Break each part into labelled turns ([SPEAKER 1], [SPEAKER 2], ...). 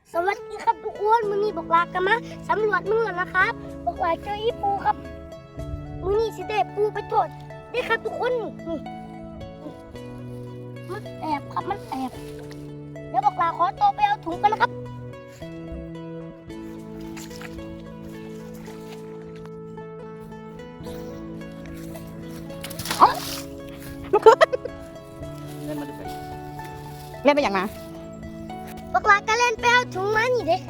[SPEAKER 1] สวัสดีครับทุกคนมื้อนี้บอกลากันมาสำรวจเมืองนะครับบอกว่าเจออีปูครับมื้อนี้สิได้ปูไปโทษได้ครับทุกคนนี่มันแอบครับมันแอบเดี๋ยวบอกลาขอตัวไปเอาถุงกันนะครับ
[SPEAKER 2] เล่นมาดูสิ
[SPEAKER 3] เล่นไปอย่างมา
[SPEAKER 1] บอกลาก็เล่นไปเอาถุงมานี่เด้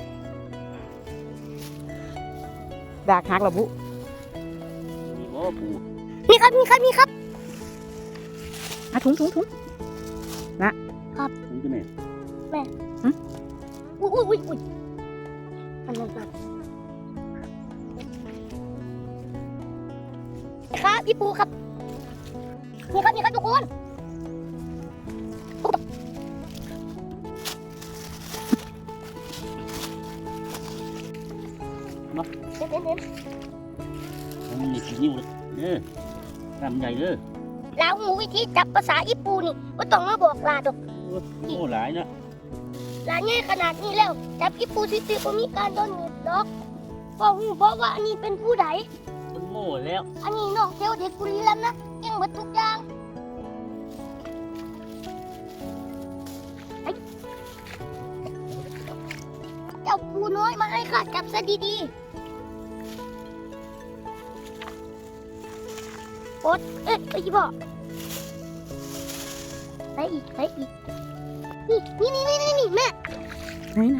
[SPEAKER 3] ดากฮักระบุ
[SPEAKER 2] มีโอ้ปู
[SPEAKER 1] นี่ครับนี่ครับนี่ครับ
[SPEAKER 3] ถุง
[SPEAKER 2] ถึงจะแม่
[SPEAKER 1] อุ้ยอันนั้นครับอีปูครับนี่ครับทุกคนเห็น
[SPEAKER 2] มันมีกี่นิ้วเลยเด้อทำใหญ่เด้อ
[SPEAKER 1] ลาวหูวิธีจับภาษาอีปูนี่ว่าต้องมาบอกลาดอก
[SPEAKER 2] โอ้หลายนะ
[SPEAKER 1] ลาง่ายขนาดนี้แล้วจับอีปูซิติก็มีการโดนหนีบดอกเพราะว่าอันนี้เป็นผู้ใด
[SPEAKER 2] มันโง่แล้ว
[SPEAKER 1] อันนี้น้องเทวเด็กกุลีแล้วนะเก่งหมดทุกอย่างเจ้าปูน้อยมาให้ข้าจับซะดีๆโอ๊ตไปยี่บอกไปอีกนี่แม่
[SPEAKER 3] ไหน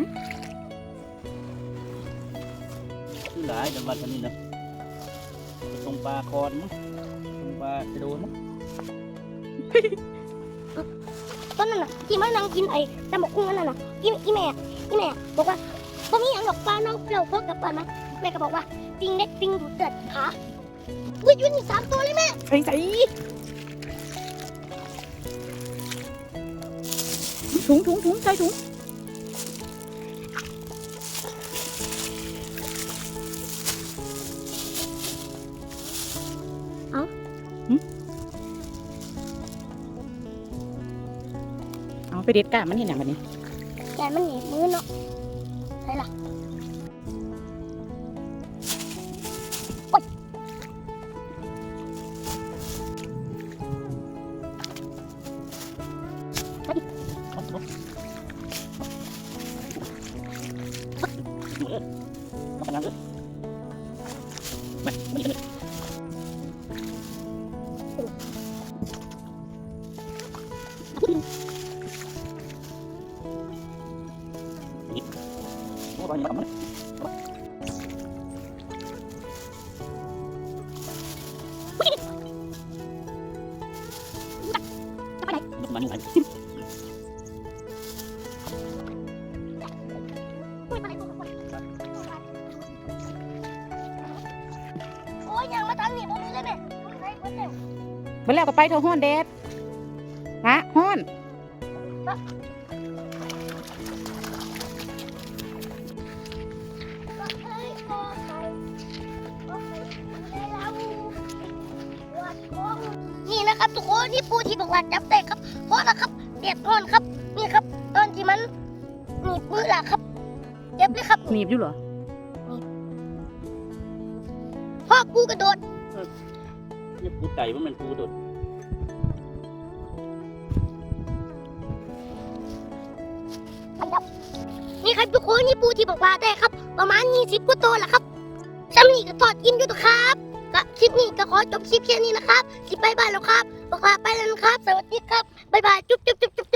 [SPEAKER 2] คือหลายจังหวัดนี้นะตรงปลาคอนมั้งตรงปลากระโดนมั้ง
[SPEAKER 1] ต้นนั่นน่ะที่มันนั่งกินไอ้ตำบักหุ่งนั่นน่ะอีแม่บอกว่าบ่มีอย่างดอกปลาน้องเปรี้ยวพวกกับปลามั้งแม่ก็บอกว่าปิงเล็กปิงดูดเดือดขาวิ่งอยู่นี่3 ตัวเลยแม่
[SPEAKER 3] ใส่ถุงใส่ถุงเอาไปเด็ดก้ามันเห็นอย่างแบบนี้
[SPEAKER 1] แกมันหนีบมือเนาะใช่ล่ะโอ๊ยโอ้ยยังมาทางนี้บ่มีเลยแม่ใส่เบิดแล้ว
[SPEAKER 3] เมื่อแล้วก็ไปเธอห้อนเด็ดฮะห้อน
[SPEAKER 1] นี่นะครับทุกคนนี่ปูที่บอกว่าจับได้ครับเพราะนะครับเด็ดร้อนครับนี่ครับตอนที่มันหนีบมือล่ะครับเจ็บเลยครับ
[SPEAKER 3] หนีบอยู่เหรอ
[SPEAKER 1] พ่อปูกระโดด
[SPEAKER 2] นี่ปูไต่ว่ามันปูโดด
[SPEAKER 1] นี่ครับทุกคนนี่ปูที่บอกว่าได้ครับ ประมาณ20 กว่าตัวแหละครับซ้ำนี่ก็ทอดกินอยู่ตัวครับก็คลิปนี้ก็ขอจบคลิปแค่นี้นะครับคลิปบายแล้วครับบอกลาไปแล้วนะครับสวัสดีครับบายจุ๊บ